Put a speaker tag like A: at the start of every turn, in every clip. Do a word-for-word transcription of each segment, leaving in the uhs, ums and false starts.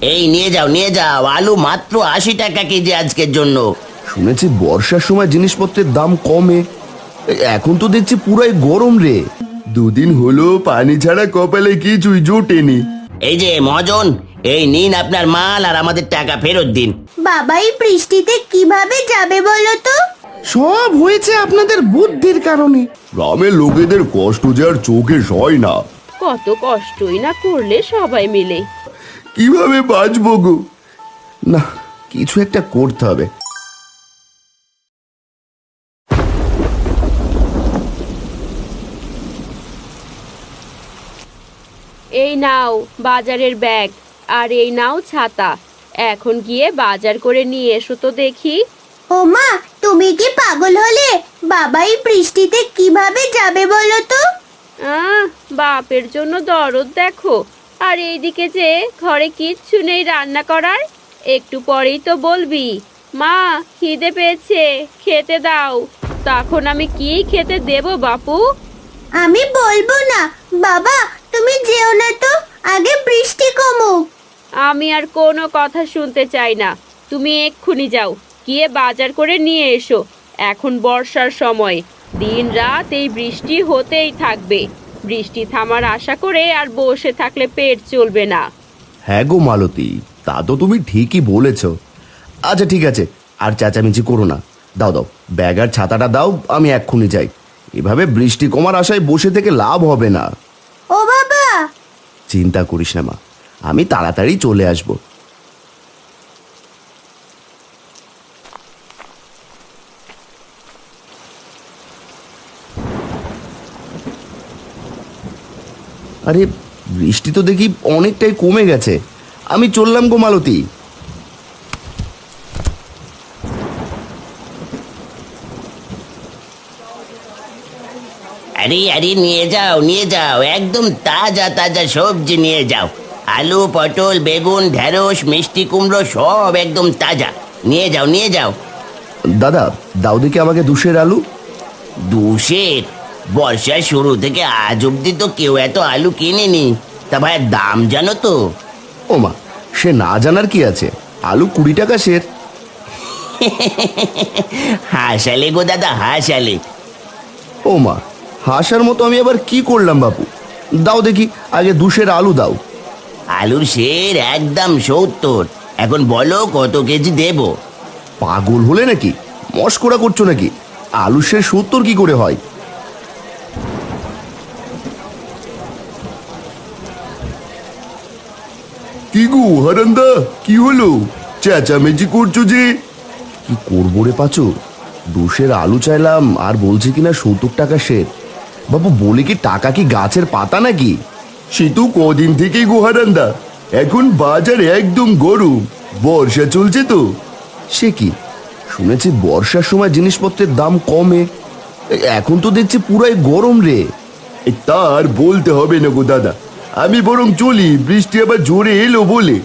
A: এই নিয়ে যাও নিয়ে যাও, আলু মাত্র আশি টাকা কেজি আজকের জন্য।
B: শুনেছি বর্ষার সময় জিনিসপত্রের দাম কমে, এখন তো দেখছি পুরাই গরম রে। দুদিন হলো পানি ছাড়া কপালে কিছুই জোটেনি।
A: এই যে মহাজন, এই নিন আপনার মাল আর আমাদের টাকা ফেরত দিন।
C: বাবা এই বৃষ্টিতে কিভাবে যাবে বলো তো?
D: সব হয়েছে আপনাদের বুদ্ধির কারণে।
B: গ্রামের লোকেদের কষ্ট যে আর চোখে সয় না।
E: কত কষ্টই না করলে সবাই মিলে।
B: কিভাবে বাঁচবো গো? না, কিছু একটা করতে হবে।
E: এই নাও বাজারের ব্যাগ, আর এই নাও ছাতা। এখন গিয়ে বাজার করে নিয়ে এসো তো দেখি।
C: ও মা, তুমি কি পাগল হলে? বাবা এই বৃষ্টিতে কিভাবে যাবে বলো তো?
E: আহ বাপের জন্য দরদ দেখো, আর এইদিকে যে ঘরে কিচ্ছু নেই রান্না করার। একটু পরেই তো বলবি মা খিদে পেয়েছে খেতে দাও, তখন আমি কি খেতে দেব বাপু?
C: আমি বলবো না। বাবা তুমি যেও না তো, আগে বৃষ্টি কমুক।
E: আমি আর কোনো কথা শুনতে চাই না, তুমি এক্ষুনি যাও, গিয়ে বাজার করে নিয়ে এসো। এখন বর্ষার সময়, দিন রাত এই বৃষ্টি হতেই থাকবে। বৃষ্টি থামার আশা করে আর বসে থাকলে পেট চলবে না।
B: হ্যাঁ গো মালতী, তা তো তুমি ঠিকই বলেছ। আচ্ছা ঠিক আছে, আর চেঁচামেচি করো না। দাও দাও ব্যাগ আর ছাতাটা দাও, আমি এক্ষুনি যাই। এভাবে বৃষ্টি কমার আশায় বসে থেকে লাভ হবে না।
C: ও বাবা!
B: চিন্তা করিস না মা, আমি তাড়াতাড়ি চলে আসব। আরে বৃষ্টি তো দেখি অনেকটাই কমে গেছে, আমি চললাম গো মালতী।
A: আরে আরে নিয়ে যাও নিয়ে যাও, একদম তাজা তাজা সবজি নিয়ে যাও। আলু, পটল, বেগুন, ঢেঁড়স, মিষ্টি কুমড়ো সব একদম তাজা। নিয়ে যাও নিয়ে যাও।
B: দাদা দাও দেখি আমাকে দুশের আলু।
A: দুশের? বর্ষার শুরু থেকে আজ অব্দি তো কেউ এত আলু কিনেনি। তা ভাই দাম জানো তো?
B: ও মা, সে না জানার কি আছে, আলু কুড়ি টাকা সের।
A: হাসালে গো দাদা হাসালে।
B: ও মা, হাসার মতো আমি আবার কি করলাম বাপু? দাও দেখি আগে দুশের আলু দাও।
A: আলুর সের একদম সত্তর। এখন বলো কত কেজি দেব?
B: পাগল হলে নাকি? মস্করা করছো নাকি? আলু সে সত্তর কি করে হয়? কি গো হারান্দা, কি হলো? চেঁচামেচি করছো যে? কি করবো রে পাচু, দুশের আলু চাইলাম আর বলছে কিনা সত্তর টাকা সের। বাবু বলে কি টাকা কি গাছের পাতা নাকি? সে তো কদিন থেকেই গো হারান্দা, এখন বাজার একদম গরম, বর্ষা চলছে তো। সে কি, শুনেছি বর্ষার সময় জিনিসপত্রের দাম কমে, এখন তো দেখছি পুরাই গরম রে। তার বলতে হবে না গো দাদা, আমি বরং চলি, বৃষ্টি আবার জোরে এলো বলে।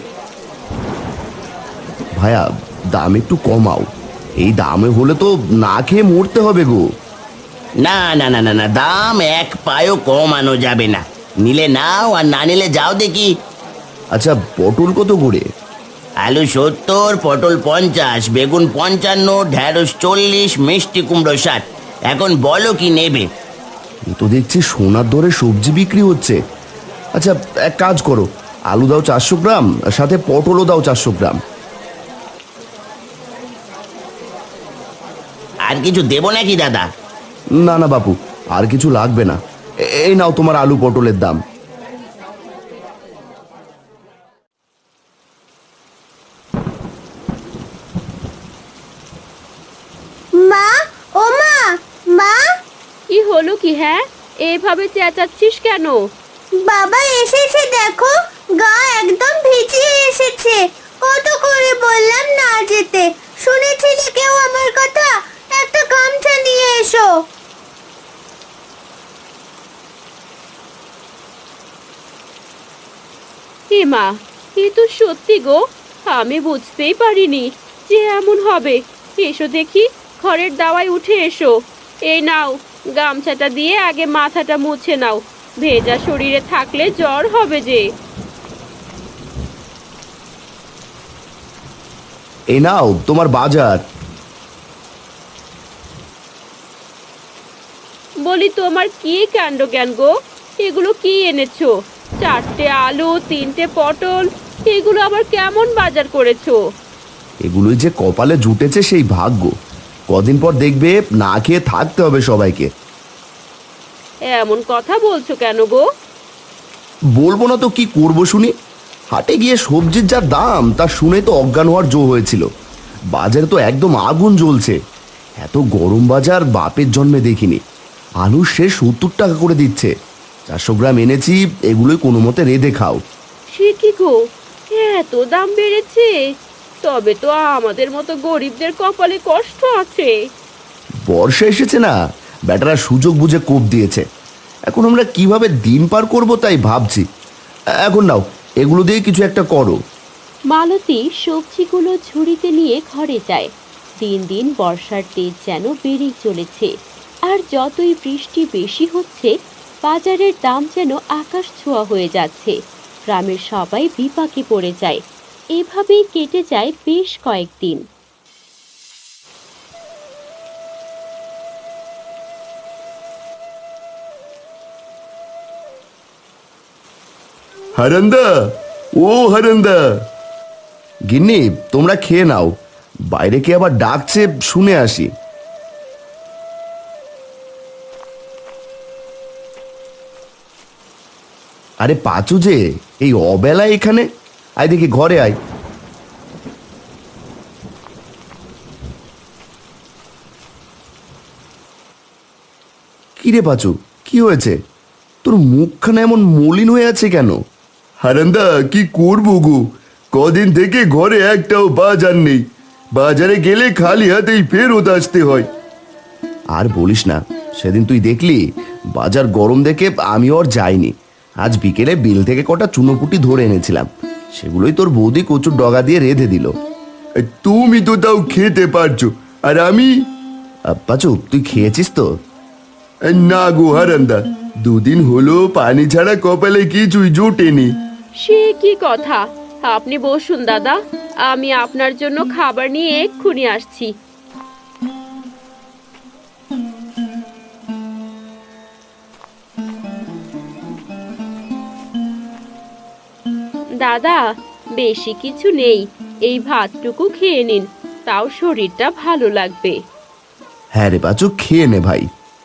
B: ভাইয়া দাম একটু কমাও, এই দামে হলে তো না খেয়ে মরতে হবে গো।
A: না না না না না, দাম এক পায়ও কমানো যাবে না। নিলে নাও আর না নিলে যাও দেখি।
B: আচ্ছা পটল কত করে?
A: আলু সত্তর, পটল পঞ্চাশ, বেগুন পঞ্চান্ন, ঢেঁড়স চল্লিশ, মিষ্টি কুমড়ো ষাট। এখন বলো কি নেবে?
B: এ তো দেখছি সোনার দরে সবজি বিক্রি হচ্ছে। আচ্ছা এক কাজ করো, আলু দাও চারশো গ্রাম, সাথে পটলও দাও চারশো গ্রাম।
A: আর কিছু দেবো নাকি দাদা?
B: না না বাপু, আর কিছু লাগবে না, এ- এই নাও তোমার আলু পটলের দাম।
C: মা, ও মা, মা!
E: কি হলো কি? হ্যাঁ এভাবে চেঁচাচ্ছিস কেন?
C: বাবা এসেছে দেখো, গা একদম ভিজিয়ে এসেছে। কত করে বললাম না যেতে, শুনেছিলে কেউ আমার কথা? একটা গামছা নিয়ে এসো।
E: এ মা, এ তো সত্যি গো, আমি বুঝতেই পারিনি যে এমন হবে। এসো দেখি, ঘরের দাওয়ায় উঠে এসো। এই নাও গামছাটা দিয়ে আগে মাথাটা মুছে নাও, ভেজা শরীরে থাকলে জ্বর হবে যে।
B: এই নাও তোমার বাজার।
E: বলি তোমার কি কাণ্ড জ্ঞান গো, এগুলো কি এনেছো? চারটে আলু, তিনটে পটল, এগুলো আবার কেমন বাজার করেছো?
B: এগুলোই যে কপালে জুটেছে সেই ভাগ্য। কদিন পর দেখবে না খেয়ে থাকতে হবে সবাইকে।
E: এমন কথা বলছো কেন গো?
B: বলবো না তো কি করবো শুনি। হাটে গিয়ে সবজির যা দাম তা শুনে তো অজ্ঞান হওয়ার জো হয়েছিল। বাজারে তো একদম আগুন জ্বলছে। এত গরম বাজার বাপের জন্মে দেখিনি। আলু সে সত্তর টাকা করে দিচ্ছে। চারশো গ্রাম এনেছি, এগুলোই কোনো মতে রেঁধে খাও।
E: সে কি গো, এত দাম বেড়েছে? তবে তো আমাদের মতো গরিবদের কপালে কষ্ট আছে।
B: বর্ষা এসেছে না, ব্যাটারা সুযোগ বুঝে কোপ দিয়েছে। এখন আমরা কিভাবে দিন পার করব তাই ভাবছি। এখন নাও, এগুলো দিয়ে কিছু একটা করো।
E: মালতী সবজিগুলো ঝুড়িতে নিয়ে ঘরে যায়। দিন দিন বর্ষার তেজ যেন বেড়েই চলেছে, আর যতই বৃষ্টি বেশি হচ্ছে বাজারের দাম যেন আকাশ ছোঁয়া হয়ে যাচ্ছে। গ্রামের সবাই বিপাকে পড়ে যায়। এভাবেই কেটে যায় বেশ কয়েকদিন।
B: হারান্দা, ও হারান্দা। গিন্নি, তোমরা খেয়ে নাও। বাইরে কে আবার ডাকছে শুনে আসি। আরে পাচু যে, এই অবেলায় এখানে? আয় দেখি ঘরে আয়। কিরে পাচু, কি হয়েছে? তোর মুখখানা এমন মলিন হয়ে আছে কেন? হারান্দা, কি করবো গো, কদিন থেকে ঘরে একটাও বাজার নেই। বাজারে গেলে খালি হাতেই ফেরত আসতে হয়। আর বলিস না, সেদিন তুই দেখলি বাজার গরম দেখে আমিও আর যাইনি। আজ বিকেলে বিল থেকে কটা চুনোপুটি ধরে এনেছিলাম, সেগুলোই তোর বৌদি কচুর ডগা দিয়ে রেঁধে দিল। তুমি তো তাও খেতে পারছো, আর আমি? পাচু, তুই খেয়েছিস তো? না গো হারান্দা, দুদিন হলো পানি ছাড়া কপালে কিছুই জোটেনি।
E: সে কি কথা? আপনি বসুন দাদা, আমি আপনার জন্য খাবার নিয়ে এক্ষুনি আসছি। দাদা, বেশি কিছু নেই, এই ভাতটুকু খেয়ে নিন, তাও শরীরটা ভালো লাগবে।
B: হ্যাঁ রে পাচু, খেয়ে নে ভাই।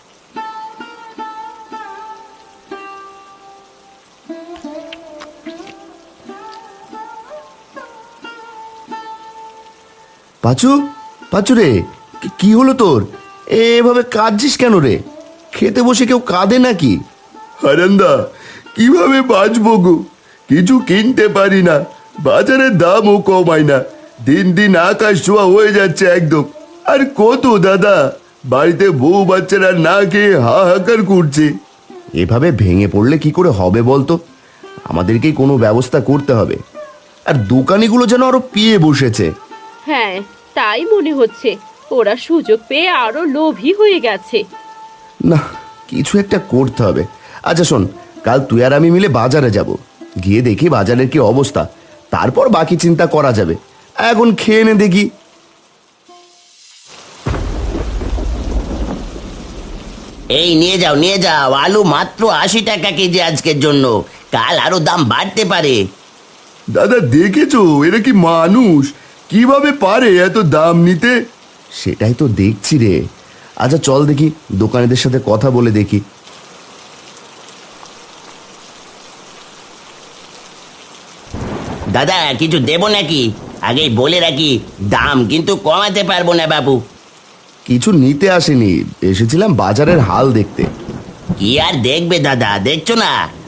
B: পাচু, পাচু রে, কি- কি হলো তোর? এভাবে কাঁদছিস কেন রে? খেতে বসে কেউ কাঁদে নাকি? হারান্দা, কিভাবে বাঁচবো গো, কিছু কিনতে পারি না, বাজারের দামও কমায় না, দিন দিন আকাশ ছোঁয়া হয়ে যাচ্ছে একদম। আর কত দাদা, বাড়িতে বউ বাচ্চারা না খেয়ে হাহাকার করছে। এভাবে ভেঙে পড়লে কি করে হবে বলতো? আমাদেরকেই কোনো ব্যবস্থা করতে হবে। আর দোকানিগুলো যেন আরো পিয়ে বসেছে।
E: হ্যাঁ, তাই মনে হচ্ছে, ওরা সুযোগ পেয়ে আরো লোভী হয়ে গেছে।
B: না, কিছু একটা করতে হবে। আচ্ছা শোন, কাল তুই আর আমি মিলে বাজারে যাব, গিয়ে দেখি বাজারের কি অবস্থা, তারপর বাকি চিন্তা করা যাবে। এখন খেয়ে নে দেখি।
A: এই নিয়ে যাও নিয়ে যাও, আলু মাত্র আশি টাকা কেজি আজকের জন্য, কাল আরো দাম বাড়তে পারে।
B: দাদা দেখেছো, এরা কি মানুষ? কিভাবে পারে এত দাম নিতে? সেটাই তো দেখছি রে। আচ্ছা চল দেখি, দোকানিদের সাথে কথা বলে দেখি।
A: দাদা, কিছু দেবো নাকি? আগেই বলে রাখি, দাম কিন্তু কমাতে পারবো না বাবু।
B: কিছু নিতে আসেনি, এসেছিলাম বাজারের হাল দেখতে।
A: কি আর দেখবে দাদা, দেখছো না